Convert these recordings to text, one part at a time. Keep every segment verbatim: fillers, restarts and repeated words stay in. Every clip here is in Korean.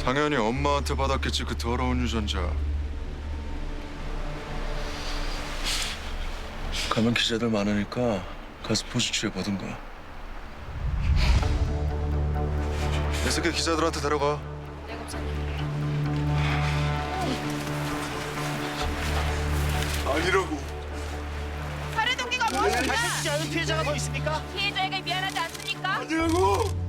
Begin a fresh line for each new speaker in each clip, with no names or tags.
당연히 엄마한테 받았겠지, 그 더러운 유전자. 가면 기자들 많으니까 가서 포즈 취해보든가. 이 새끼 기자들한테 데려가.
네, 검사님.
아니라고.
살해 동기가 무엇입니까?
밝혀지지 않은 피해자가 더 있습니까?
피해자에게 미안하지 않습니까?
아니라고.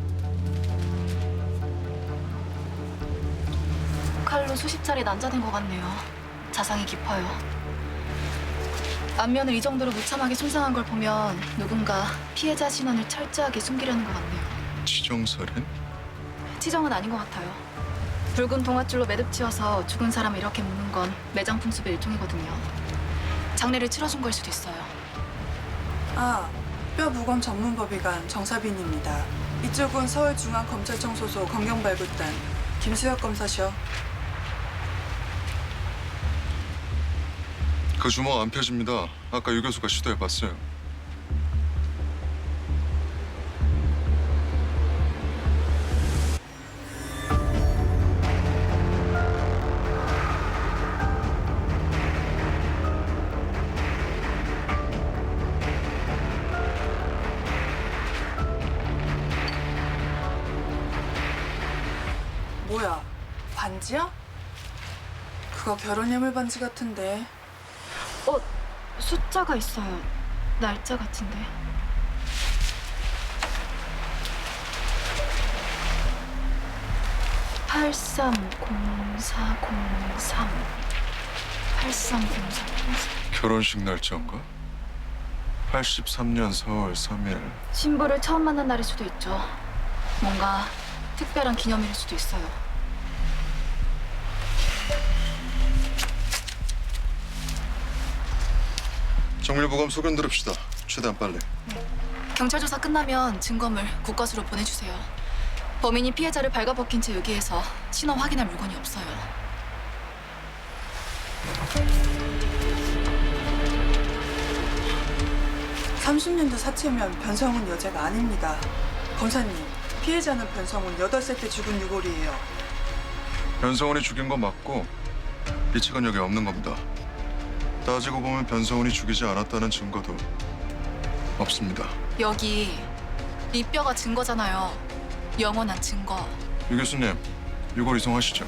칼로 수십 차례 난자된 것 같네요. 자상이 깊어요. 안면을 이 정도로 무참하게 손상한 걸 보면 누군가 피해자 신원을 철저하게 숨기려는 것 같네요.
치정살인?
치정은 아닌 것 같아요. 붉은 동아줄로 매듭 지어서 죽은 사람을 이렇게 묶는 건 매장 풍습의 일종이거든요. 장례를 치러준 걸 수도 있어요.
아, 뼈부검 전문법의관 정사빈입니다. 이쪽은 서울중앙검찰청 소속 검경발굴단 김수혁 검사셔.
그 주먹 안 펴집니다. 아까 유 교수가 시도해봤어요.
뭐야, 반지야? 그거 결혼 예물 반지 같은데.
어, 숫자가 있어요. 날짜 같은데. 팔삼공사공삼 팔삼공사공삼
결혼식 날짜인가? 팔십삼 년 사월 삼 일.
신부를 처음 만난 날일 수도 있죠. 뭔가 특별한 기념일일 수도 있어요.
정밀보감 소견 들읍시다. 최대한 빨리.
경찰 조사 끝나면 증거물 국과수로 보내주세요. 범인이 피해자를 발가벗긴 채 여기에서 신원 확인할 물건이 없어요.
삼십 년도 사체면 변성훈 여자가 아닙니다. 검사님, 피해자는 변성훈 여덟 살 때 죽은 유골이에요.
변성훈이 죽인 건 맞고 이 책은 여기 없는 겁니다. 따지고 보면 변성훈이 죽이지 않았다는 증거도 없습니다.
여기 이 뼈가 증거잖아요. 영원한 증거.
유 교수님, 유골 이송하시죠.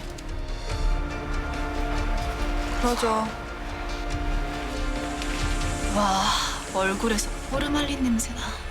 그러죠.
와, 얼굴에서 뽀르말린 냄새나.